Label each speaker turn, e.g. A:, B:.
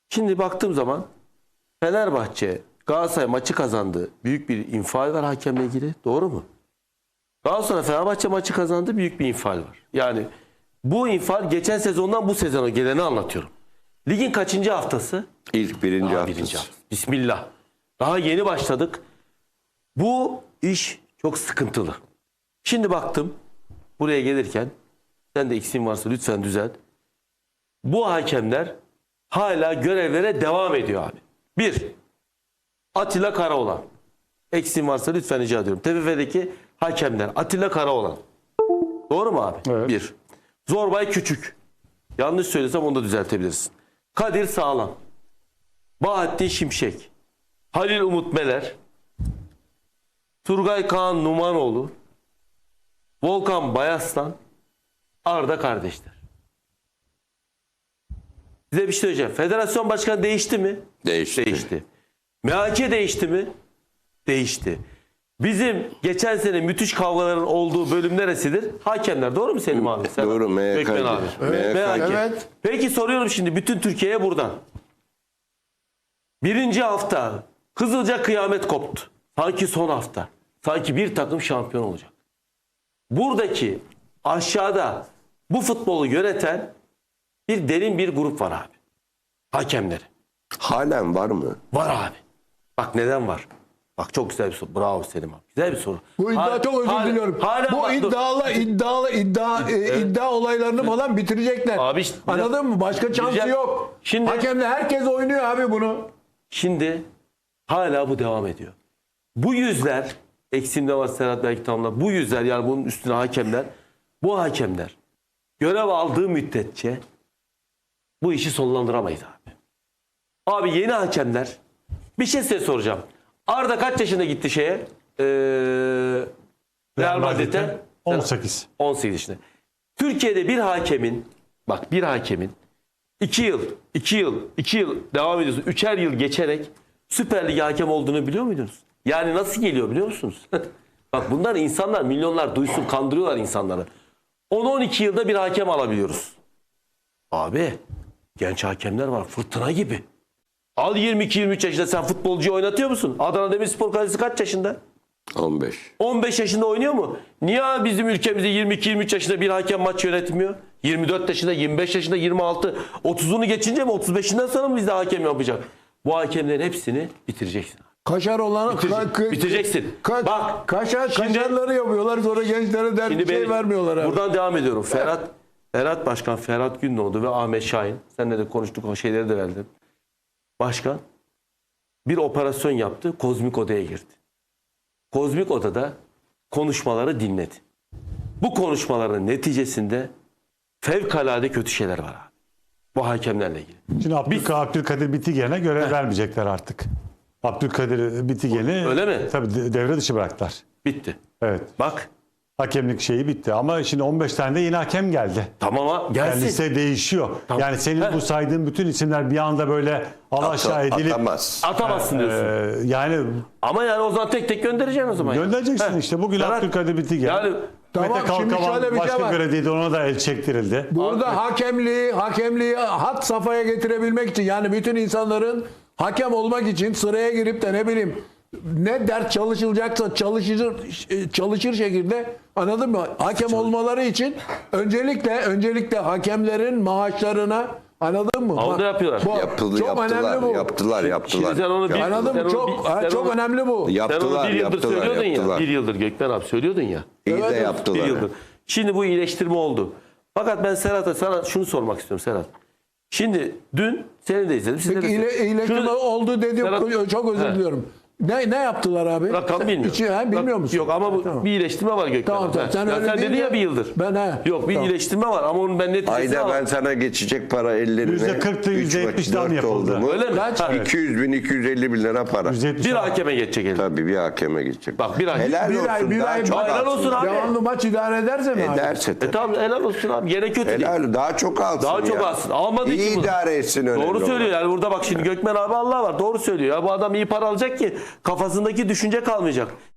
A: Şimdi baktığım zaman Fenerbahçe Galatasaray maçı kazandı. Büyük bir infial var hakemle ilgili. Doğru mu? Daha sonra Fenerbahçe maçı kazandı. Büyük bir infial var. Yani bu infial geçen sezondan bu sezona geleni anlatıyorum. Ligin kaçıncı haftası?
B: İlk birinci
A: Daha
B: haftası.
A: birinci haftası. Bismillah. Daha yeni başladık. Bu iş çok sıkıntılı. Şimdi baktım buraya gelirken sen de eksiğin varsa lütfen düzelt. Bu hakemler hala görevlere devam ediyor abi. Bir, Atilla Karaoğlan. Eksiğin varsa lütfen rica ediyorum. TFF'deki hakemler Atilla Karaoğlan. Doğru mu abi?
C: Evet.
A: Bir. Zorbay Küçük. Yanlış söylesem onu da düzeltebilirsin. Kadir Sağlam. Bahattin Şimşek. Halil Umut Meler. Turgay Kaan Numanoğlu. Volkan Bayaslan. Arda kardeşler. Size bir şey söyleyeceğim. Federasyon başkanı değişti mi?
B: Değişti.
A: Değişti. MHK değişti mi? Değişti. Bizim geçen sene müthiş kavgaların olduğu bölüm neresidir? Hakemler. Doğru mu Selim abi? Sen
B: Doğru, MHK.
A: Gökmen abi.
B: Evet,
A: MHK.
C: evet.
A: Peki soruyorum şimdi bütün Türkiye'ye buradan. Birinci hafta hızlıca kıyamet koptu. Sanki son hafta. Sanki bir takım şampiyon olacak. Buradaki aşağıda bu futbolu yöneten bir derin bir grup var abi. Hakemleri.
B: Halen var mı?
A: Var abi. Bak neden var? Bak çok güzel bir soru. Bravo Selim abi. Güzel bir soru.
D: Bu iddia çok özür diliyorum. Bu iddia olaylarını falan bitirecekler.
A: Abi işte-
D: Anladın mı? Başka şansı
A: Güzel.
D: yok.
A: Şimdi-
D: Hakemle herkes oynuyor abi bunu.
A: Şimdi hala bu devam ediyor. Bu yüzler, eksimde var Serhat belki tamamlar. Bu yüzler yani bunun üstüne hakemler, bu hakemler görev aldığı müddetçe bu işi sonlandıramayız abi. Abi yeni hakemler, bir şey size soracağım. Arda kaç yaşında gitti şeye? Real Madrid'e?
C: 18.
A: 18 yaşında. Türkiye'de bir hakemin, bak bir hakemin 2 yıl devam ediyorsun. 3'er yıl geçerek Süper Lig hakem olduğunu biliyor muydunuz? Yani nasıl geliyor biliyor musunuz? Bak bunlar insanlar milyonlar duysun kandırıyorlar insanları. 10-12 yılda bir hakem alabiliyoruz. Abi genç hakemler var fırtına gibi. Al 22-23 yaşında sen futbolcuyu oynatıyor musun? Adana Demirspor kalecisi kaç yaşında?
B: 15.
A: 15 yaşında oynuyor mu? Niye bizim ülkemizde 22-23 yaşında bir hakem maç yönetmiyor? 24 yaşında, 25 yaşında, 26, 30'unu geçince mi 35'inden sonra mı bizde hakem yapacak? Bu hakemlerin hepsini bitireceksin.
D: Kaşar olan
A: Bitireceksin. Bak,
D: kaşarları yapıyorlar sonra gençlere dert bir şey vermiyorlar abi.
A: Buradan devam ediyorum. Ferhat Başkan, Ferhat Gündoğdu ve Ahmet Şahin. Seninle de konuştuk o şeyleri de verdim. Başkan bir operasyon yaptı. Kozmik odaya girdi. Kozmik odada konuşmaları dinledi. Bu konuşmaların neticesinde fevkalade kötü şeyler var abi. Bu hakemlerle ilgili.
C: Şimdi Abdülkadir Bitigen'e görev vermeyecekler artık. Abdülkadir Bitigen'i
A: Öyle mi?
C: tabii devre dışı bıraktılar.
A: Bitti.
C: Evet.
A: Bak
C: Hakemlik şeyi bitti. Ama şimdi 15 tane de yeni hakem geldi.
A: tamam ama
C: Yani
A: gelsin.
C: liste değişiyor.
A: Tamam.
C: Yani senin bu saydığın bütün isimler bir anda böyle alaşağı edilip
B: Atamaz.
A: Atamazsın diyorsun.
C: yani
A: Ama yani o zaman tek tek göndereceksin o zaman.
C: göndereceksin
A: Heh.
C: işte. Bugün
A: Ferhat,
C: Abdülkadir Bitigen.
A: Yani
D: Tamam,
C: Mete
D: şimdi
C: Kalkavan
D: şöyle bir şey
C: başka
D: var.
C: görevdeydi. Ona da el çektirildi.
D: Burada hakemliği hat safhaya getirebilmek için yani bütün insanların hakem olmak için sıraya girip de ne bileyim ne ders çalışılacaksa çalışır şekilde anladın mı? Hakem olmaları için öncelikle hakemlerin maaşlarına anladın mı?
A: Onu da yapıyorlar.
D: Çok önemli bu.
B: Yaptılar.
A: Şimdi sen onu bir,
D: Anladın
A: sen
D: mı?
A: onu
D: Çok önemli bu.
A: Sen onu
B: Yaptılar,
A: bir yıldır söylüyordun
B: yaptılar.
A: ya. Bir yıldır Gökmen abi söylüyordun ya.
B: İyi de
D: Evet,
A: Bir
B: yaptılar.
A: yıldır. Şimdi bu iyileştirme oldu. Fakat ben Serhat'a sana şunu sormak istiyorum Serhat. Şimdi dün seni de izledim. Siz de
D: Peki iyileştirme
A: Şunu-
D: oldu dedi.
A: Serhat-
D: Çok özür
A: He.
D: diliyorum. Ne yaptılar abi?
A: Rakam bilmiyorum.
D: Bilmiyor musun?
A: Yok ama bu
D: Tamam.
A: bir iyileştirme var Gökmen.
D: Tamam,
A: abi.
D: tamam. Sen
A: Ya
D: öyle
A: sen dedin
D: deyince
A: ya bir yıldır.
D: Yok
A: bir
D: tamam.
A: iyileştirme var ama onun ben neticesini
B: Ayda
A: alamam.
B: ben sana geçecek para ellerine.
C: %40'tı, %70'den yapıldı.
A: Öyle mi?
D: Kaç?
A: Ha,
B: 200 bin, 250 bin lira para.
C: 170
A: bir hakeme geçecek elinde.
B: Tabii bir hakeme geçecek.
A: Bak bir ay.
B: Helal
D: Bir
B: olsun.
D: ay, bir
B: daha
D: ay.
B: çok
A: Helal
B: alsın.
A: olsun abi.
D: Devamlı maç idare ederse mi abi?
B: Ederse tabii.
A: Tamam helal olsun abi. Gene kötü değil.
B: Helal, daha çok alsın
A: Daha çok
B: ya.
A: alsın. Almadığı
B: İyi
A: için bu.
B: idare etsin önemli
A: Doğru
B: olan.
A: söylüyor yani burada bak şimdi Gökmen abi Allah var. Doğru söylüyor. Ya bu adam iyi para alacak ki kafasındaki düşünce kalmayacak.